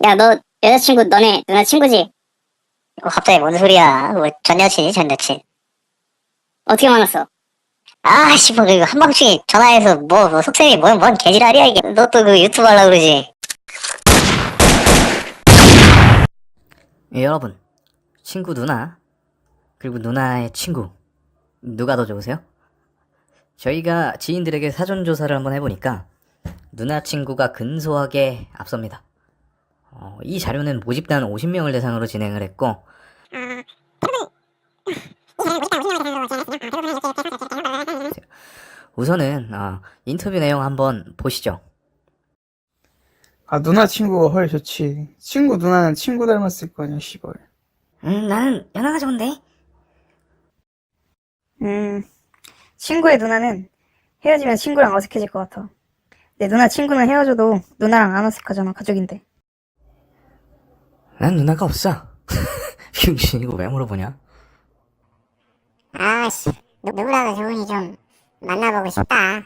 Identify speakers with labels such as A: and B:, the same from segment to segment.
A: 야, 너 여자친구 너네 누나 친구지?
B: 갑자기 뭔 소리야? 뭐 전 여친이 전 여친.
A: 어떻게 만났어?
B: 아씨 뭐 그 한방중에 전화해서 뭐 속셈이 뭔 개지랄이야 이게. 너 또 그 유튜브 하려고 그러지?
C: 예, 여러분, 친구 누나, 그리고 누나의 친구, 누가 더 좋으세요? 저희가 지인들에게 사전조사를 한번 해보니까 누나 친구가 근소하게 앞섭니다. 이 자료는 모집단 50명을 대상으로 진행을 했고, 우선은 인터뷰 내용 한번 보시죠.
D: 아, 누나 친구가 헐 좋지. 친구 누나는 친구 닮았을 거 아니야, 씨발.
C: 나는 연하가 좋은데?
E: 친구의 누나는 헤어지면 친구랑 어색해질 것 같아. 내 누나 친구는 헤어져도 누나랑 안 어색하잖아, 가족인데.
C: 난 누나가 없어. 병신 이거 왜 물어보냐?
B: 아씨 누구라도 좋으니 좀 만나보고 싶다.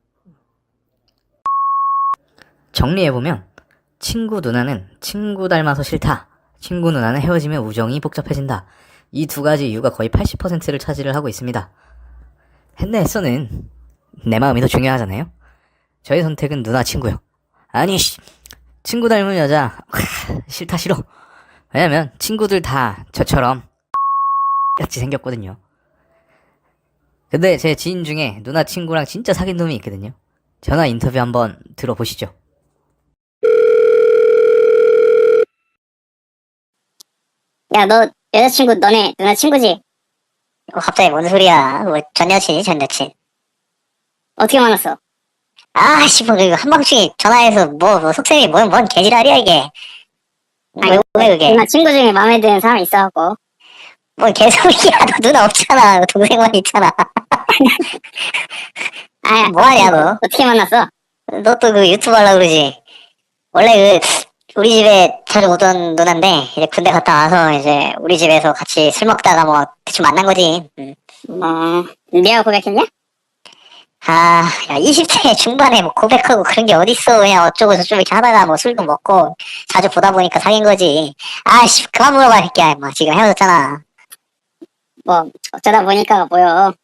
C: 정리해보면 친구 누나는 친구 닮아서 싫다, 친구 누나는 헤어지면 우정이 복잡해진다, 이 두 가지 이유가 거의 80%를 차지를 하고 있습니다. 했네에서는 내 마음이 더 중요하잖아요. 저의 선택은 누나 친구요. 아니 친구 닮은 여자 싫다, 싫어. 왜냐면 친구들 다 저처럼 같이 생겼거든요. 근데 제 지인 중에 누나 친구랑 진짜 사귄 놈이 있거든요. 전화 인터뷰 한번 들어보시죠.
A: 야, 너 여자친구 너네 누나 친구지?
B: 갑자기 뭔 소리야? 뭐 전 여친이 전 여친.
A: 어떻게 만났어?
B: 아씨 뭐 그 한방중에 전화해서 뭐 속셈이 뭔 개지랄이야 이게. 왜 그게?
A: 누나 친구 중에 마음에 드는 사람 있어갖고.
B: 뭔 개소리야? 너 누나 없잖아. 동생만 있잖아.
A: 아,
B: 뭐하냐 너?
A: 어떻게 만났어?
B: 너 또 그 유튜브 하려고 그러지? 원래 그 우리 집에 자주 오던 누나인데 이제 군대 갔다 와서 이제 우리 집에서 같이 술 먹다가 뭐 대충 만난 거지.
A: 네가 고백했냐?
B: 아, 야 20대 중반에 뭐 고백하고 그런 게 어딨어. 그냥 어쩌고 저쩌고 이렇게 하다가 뭐 술도 먹고 자주 보다 보니까 사귄 거지. 아씨 그만 물어봐 새끼야. 뭐 지금 헤어졌잖아.
A: 뭐 어쩌다 보니까가 보여.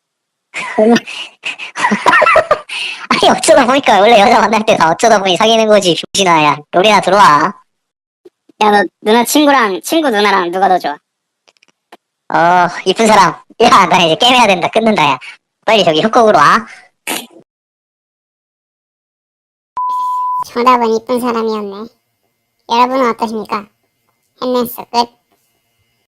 B: 아니 어쩌다 보니까 원래 여자 만날 때 다 어쩌다 보니 사귀는 거지. 병신아. 야 노래나 들어와.
A: 야, 너 누나 친구랑 친구 누나랑 누가 더 좋아?
B: 이쁜 사람. 야, 나 이제 게임 해야 된다. 끊는다, 야. 빨리 저기 협곡으로 와.
F: 정답은 이쁜 사람이었네. 여러분은 어떠십니까? 햄넷스 끝.